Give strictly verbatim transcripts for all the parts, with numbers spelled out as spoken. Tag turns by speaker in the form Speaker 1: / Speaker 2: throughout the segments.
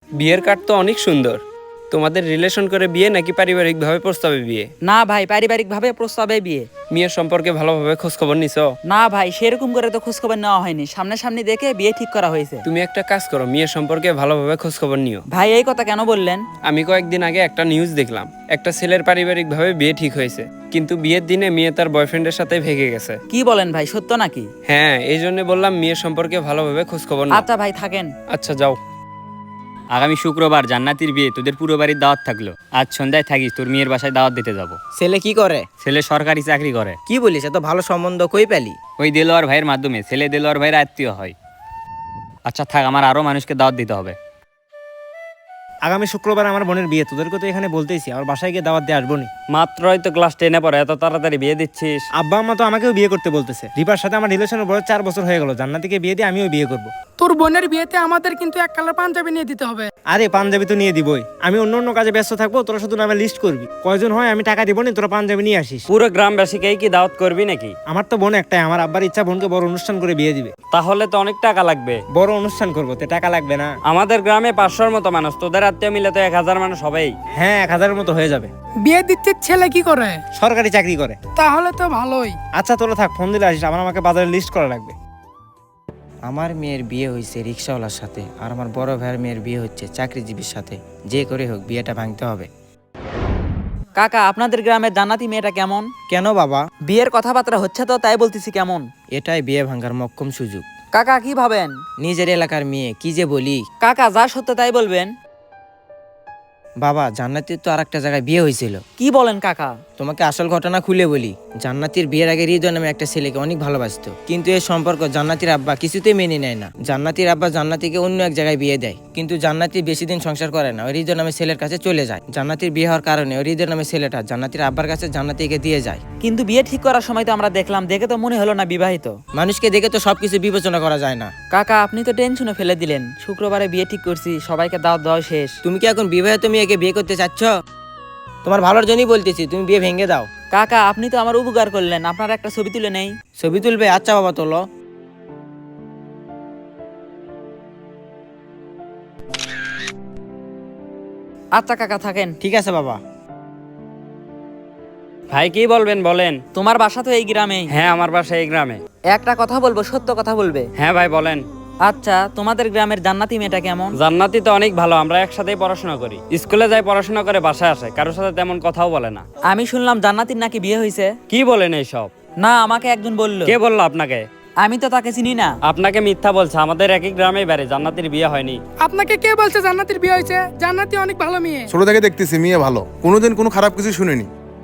Speaker 1: বিয়ের কার্ড তো অনেক সুন্দর। তোমাদের রিলেশন করে বিয়ে নাকি পারিবারিকভাবে প্রস্তাবে বিয়ে?
Speaker 2: না ভাই, পারিবারিক ভাবে প্রস্তাবে বিয়ে।
Speaker 1: মেয়ের সম্পর্কে ভালোভাবে খোঁজ খবর নিছো?
Speaker 2: না ভাই, সেরকম করে তো খোঁজখবর নেওয়া হয়নি, সামনাসামনি দেখে বিয়ে ঠিক করা হয়েছে।
Speaker 1: তুমি একটা কাজ করো, মেয়ের সম্পর্কে ভালোভাবে খোঁজ খবর নিও।
Speaker 2: ভাই এই কথা কেন বললেন?
Speaker 1: আমি কয়েকদিন আগে একটা নিউজ দেখলাম, একটা ছেলের পারিবারিকভাবে বিয়ে ঠিক হয়েছে, কিন্তু বিয়ের দিনে মেয়ে তার বয়ফ্রেন্ডের সাথে ভেগে গেছে।
Speaker 2: কি বলেন ভাই, সত্য নাকি?
Speaker 1: হ্যাঁ, এই জন্য বললাম মেয়ের সম্পর্কে ভালোভাবে খোঁজ খবর নাও।
Speaker 2: আচ্ছা ভাই, থাকেন।
Speaker 1: আচ্ছা যাও।
Speaker 3: আগামী শুক্রবার জান্নাতির বিয়ে, তোদের পুরো বাড়ির দাওয়াত থাকলো। আজ সন্ধ্যায় থাকিস, তোর মেয়ের বাসায় দাওয়াত দিতে যাব।
Speaker 4: ছেলে কি করে?
Speaker 3: ছেলে সরকারি চাকরি করে।
Speaker 4: কি বলিস, এত ভালো সম্বন্ধ কই পেলি?
Speaker 3: ওই দেলোয়ার ভাইয়ের মাধ্যমে। ছেলে দেলোয়ার ভাইয়ের আত্মীয় হয়। আচ্ছা থাক, আমার আরো মানুষকে দাওয়াত দিতে হবে।
Speaker 5: আগামী শুক্রবার আমার বোনের বিয়ে, তোদেরকে তো এখানে বলতেইছি, আমার বাসায় গিয়ে দাওয়াত দিয়ে আসবো নি।
Speaker 3: মাত্রই তো ক্লাস টেনে পড়ে, এত তাড়াতাড়ি বিয়ে দিচ্ছিস?
Speaker 5: আব্বা আম্মা তো আমাকেও বিয়ে করতে বলতেছে। রিপার সাথে আমার রিলেশনের বয়স চার বছর হয়ে গেল, জান্নাতিকে বিয়ে দিয়ে আমিও বিয়ে করব।
Speaker 6: তোর বোনের বিয়েতে আমাদের কিন্তু এক কালার পাঞ্জাবি নিয়ে দিতে হবে।
Speaker 5: আরে পাঞ্জাবি তো নিয়ে দিবই, আমি অন্য অন্য কাজে ব্যস্ত থাকবো, তোরা শুধু নামে লিস্ট করবি, কয়জন হয় আমি টাকা দিব নি, তোরা পাঞ্জাবি নিয়ে আসিস।
Speaker 3: পুরো গ্রামবাসীকেই কি দাওয়াত করবি নাকি?
Speaker 5: আমার তো বোন একটাই, আমার আব্বার ইচ্ছা বোনকে বড় অনুষ্ঠান করে বিয়ে দিবে।
Speaker 3: তাহলে তো অনেক টাকা লাগবে।
Speaker 5: বড় অনুষ্ঠান করবো, তে টাকা লাগবে না?
Speaker 3: আমাদের গ্রামে পাঁচশোর মতো মানুষ, তোদের আত্মীয় মিলে তো এক হাজার মানুষ হবেই।
Speaker 5: হ্যাঁ, এক হাজারের মতো হয়ে যাবে।
Speaker 6: বিয়ে দিচ্ছে ছেলে কি করে?
Speaker 5: সরকারি চাকরি করে।
Speaker 6: তাহলে তো ভালোই।
Speaker 5: আচ্ছা তোরা থাক, ফোন দিলে আসিস, আমার আমাকে বাজারে লিস্ট করা লাগবে।
Speaker 4: আমার মেয়ের বিয়ে হয়েছে রিক্সাওয়ালার সাথে, আর আমার বড় ভাইয়ের মেয়ের বিয়ে হচ্ছে চাকরিজীবীর সাথে। যে করে হোক বিয়েটা ভাঙতে হবে।
Speaker 2: কাকা, আপনাদের গ্রামের জান্নাতি মেয়েটা কেমন?
Speaker 4: কেন বাবা?
Speaker 2: বিয়ের কথাবার্তা হচ্ছে তো, তাই বলতেছি কেমন।
Speaker 4: এটাই বিয়ে ভাঙার মক্কম সুযোগ।
Speaker 2: কাকা কি ভাবেন?
Speaker 4: নিজের এলাকার মেয়ে, কি যে বলি।
Speaker 2: কাকা যা সত্য তাই বলবেন।
Speaker 4: বাবা, জান্নাতির তো আর একটা জায়গায় বিয়ে হয়েছিল।
Speaker 2: কি বলেন কাকা?
Speaker 4: তোমাকে আসল ঘটনা খুলে বলি। জান্নাতির বিয়ের আগে হৃদয় নামে একটা ছেলেকে অনেক ভালোবাসতো, কিন্তু এই সম্পর্ক জান্নাতির আব্বা কিছুতেই মেনে নেয় না। জান্নাতির আব্বা জান্নাতিকে অন্য এক জায়গায় বিয়ে দেয়, কিন্তু জান্নাতি বেশি দিন সংসার করে না, ওই হৃদয় নামে ছেলের কাছে চলে যায়। জান্নাতির বিয়ে হওয়ার কারণে ওই হৃদয় নামে ছেলেটা জান্নাতির আব্বার কাছে জান্নাতিকে দিয়ে যায়।
Speaker 2: কিন্তু বিয়ে ঠিক করার সময় তো আমরা দেখলাম, দেখে তো মনে হলো না বিবাহিত।
Speaker 4: মানুষকে দেখে তো সবকিছু বিবেচনা করা যায় না।
Speaker 2: কাকা আপনি তো টেনশনে ফেলে দিলেন। শুক্রবারে বিয়ে ঠিক করছি, সবাইকে দাওয়াত দেওয়া শেষ।
Speaker 4: তুমি কি এখন বিবাহিত মেয়েকে বিয়ে করতে চাচ্ছ? তোমার ভালোর জন্যই বলতেছি, তুমি বিয়ে ভেঙে দাও।
Speaker 2: কাকা আপনি তো আমার উপকার করলেন, আপনার একটা ছবি তুলে নেই।
Speaker 4: ছবি তুলবে? আচ্ছা বাবা, তোলো।
Speaker 2: আচ্ছা কাকা, থাকেন।
Speaker 4: ঠিক আছে বাবা।
Speaker 3: ভাই কি বলবেন বলেন।
Speaker 2: তোমার বাসা তো এই গ্রামেই?
Speaker 3: হ্যাঁ, আমার বাসা এই গ্রামে।
Speaker 2: একটা কথা বলবো, সত্য কথা বলবে?
Speaker 3: হ্যাঁ ভাই বলেন।
Speaker 2: আচ্ছা, তোমাদের গ্রামের জান্নাতি মেয়েটা কেমন?
Speaker 3: জান্নাতি তো অনেক ভালো, আমরা একসাথেই পড়াশোনা করি, স্কুলে যাই, পড়াশোনা করে বাসায় আসে, কারোর সাথে তেমন কথাও বলে না।
Speaker 2: আমি শুনলাম জান্নাতির নাকি বিয়ে হয়েছে।
Speaker 3: কি বলেন এইসব?
Speaker 2: না, আমাকে একজন বললো।
Speaker 3: কে বললো আপনাকে?
Speaker 2: আমি তো তাকে চিনি না।
Speaker 3: আপনাকে মিথ্যা বলছে, আমাদের একই গ্রামেই বাড়ি, জান্নাতির বিয়ে হয়নি।
Speaker 6: আপনাকে কে বলছে জান্নাতির বিয়ে হয়েছে? জান্নাতি অনেক ভালো মেয়ে।
Speaker 7: ছোট থেকে দেখতেছি মেয়ে ভালো, কোনোদিন কোনো খারাপ কিছু শুনিনি।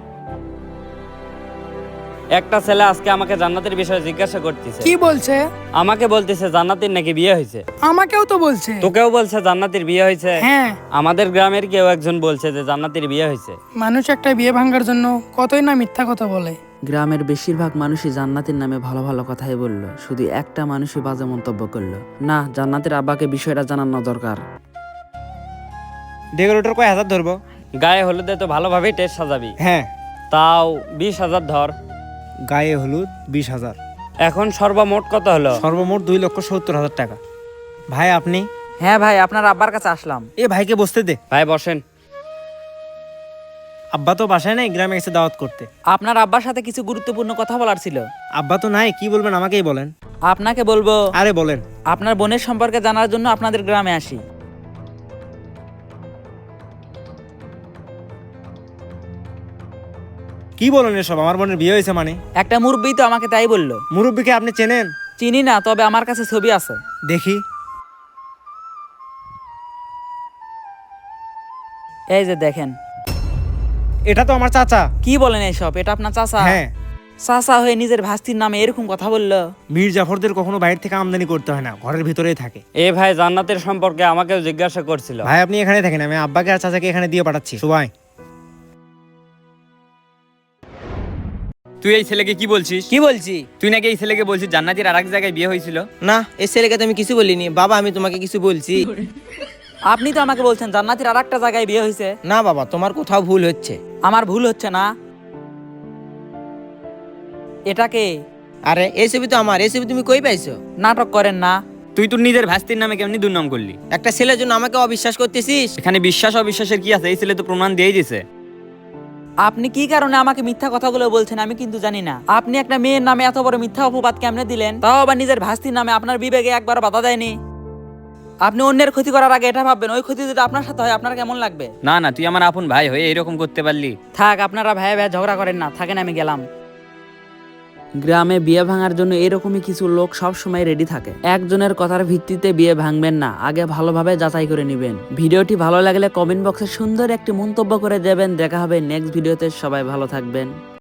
Speaker 3: একটা ছেলে আজকে আমাকে জান্নাতের বিষয়ে জিজ্ঞাসা করতেছে।
Speaker 6: কি বলছে?
Speaker 3: আমাকে বলতেছে জান্নাতির নাকি বিয়ে হয়েছে।
Speaker 6: আমাকেও তো বলছে।
Speaker 3: তোকেও বলছে জান্নাতির বিয়ে হয়েছে?
Speaker 6: হ্যাঁ,
Speaker 3: আমাদের গ্রামের কেউ একজন বলছে যে জান্নাতির বিয়ে হয়েছে।
Speaker 6: মানুষ একটা বিয়ে ভাঙার জন্য কতই না মিথ্যা কথা বলে।
Speaker 2: গ্রামের বেশিরভাগ মানুষই জান্নাতের নামে ভালো ভালো কথাই বলল, শুধু একটা মানুষই বাজে মন্তব্য করলো। না, জান্নাতের আব্বাকে বিষয়টা জানানো দরকার।
Speaker 5: ডেকোরেটর কয় হাজার ধরবো?
Speaker 3: গায়ে হলুদে তো ভালোভাবেই টেস্ট সাজাবি।
Speaker 5: হ্যাঁ,
Speaker 3: তাও বিশ হাজার ধর।
Speaker 5: গায়ে হলুদ বিশ হাজার।
Speaker 3: এখন সর্বমোট কত হলো?
Speaker 5: সর্বমোট দুই লক্ষ সত্তর হাজার টাকা। ভাই আপনি?
Speaker 2: হ্যাঁ ভাই, আপনার আব্বার কাছে আসলাম।
Speaker 5: এ ভাইকে বসতে দে।
Speaker 3: ভাই বসেন।
Speaker 5: আব্বা তো বাসায় নাই, গ্রামে গেছে দাওয়াত করতে।
Speaker 2: আপনার আব্বার সাথে কিছু গুরুত্বপূর্ণ কথা বলার ছিল।
Speaker 5: আব্বা তো নাই, কি বলবেন আমাকেই বলেন।
Speaker 2: আপনাকে বলবো,
Speaker 5: আরে বলেন।
Speaker 2: আপনার বোনের সম্পর্কে জানার জন্য আপনাদের গ্রামে আসি।
Speaker 5: কি বলেন এসব? আমার বোনের বিয়ে হয়েছে মানে?
Speaker 2: একটা মুরব্বী তো আমাকে তাই বললো।
Speaker 5: মুরব্বীকে আপনি চেনেন?
Speaker 2: চিনি না, তবে আমার কাছে ছবি আছে।
Speaker 5: দেখি।
Speaker 2: এই যে দেখেন।
Speaker 5: এটা তো আমার চাচা।
Speaker 2: কি বলেন এইসব? এটা আপনার চাচা?
Speaker 5: হ্যাঁ।
Speaker 2: চাচা হয়ে নিজের ভাস্তির নামে এরকম কথা বললো?
Speaker 5: মীর জাফরদের কখনো বাইরে থেকে আমদানি করতে হয় না, ঘরের ভিতরেই থাকে।
Speaker 3: এ ভাই জান্নাতের সম্পর্কে আমাকেও জিজ্ঞাসা করছিল।
Speaker 5: ভাই আপনি এখানে থাকেন, আমি আব্বাকে আর চাচাকে এখানে দিয়ে পাঠাচ্ছি। সবাই
Speaker 3: তুই এই ছেলেকে কি বলছিস?
Speaker 4: কি বলছি?
Speaker 3: তুই নাকি এই ছেলেকে বলছিস জান্নাতির আরেক জায়গায় বিয়ে হয়েছিল?
Speaker 4: না, এই ছেলেকে তো আমি কিছু বলিনি। বাবা, আমি তোমাকে কিছু বলছি?
Speaker 2: আপনি তো আমাকে বলছেন জান্নাতির আর একটা জায়গায় বিয়ে হয়েছে।
Speaker 4: না বাবা, তোমার কোথাও ভুল হচ্ছে।
Speaker 2: আমার ভুল হচ্ছে না? এটাকে
Speaker 4: আরে এই ছবি তো আমার। এই ছবি তুমি কই পাইছো?
Speaker 2: নাটক করেন না।
Speaker 3: তুই তোর নিজের ভাস্তির নামে কেমনি দুর্নাম করলি?
Speaker 4: একটা ছেলের জন্য আমাকে অবিশ্বাস করতেছিস?
Speaker 3: এখানে বিশ্বাস অবিশ্বাসের কি আছে? এই ছেলে তো প্রমাণ দিয়েই দিছে।
Speaker 2: আপনি কি কারণে আমাকে মিথ্যা কথাগুলো বলছেন আমি কিন্তু জানি না। আপনি একটা মেয়ের নামে এত বড় মিথ্যা অপবাদ কেমনে দিলেন, তাও আবার নিজের ভাস্তির নামে? আপনার বিবেকে একবার বাধা দেয়নি? আপনি অন্যের ক্ষতি করার আগে এটা ভাববেন, ওই ক্ষতি যদি আপনার সাথে হয় আপনার কেমন লাগবে?
Speaker 3: না না, তুই আমার আপন ভাই হয়ে এরকম করতে পারলি?
Speaker 2: থাক, আপনারা ভাই ভাই ঝগড়া করেন না, থাকেন, আমি গেলাম। গ্রামে বিয়ে ভাঙার জন্য এরকমই কিছু লোক সব সময় রেডি থাকে। একজনের কথার ভিত্তিতে বিয়ে ভাঙবেন না, আগে ভালোভাবে যাচাই করে নেবেন। ভিডিওটি ভালো লাগলে কমেন্ট বক্সে সুন্দর একটি মন্তব্য করে দেবেন। দেখা হবে নেক্সট ভিডিওতে, সবাই ভালো থাকবেন।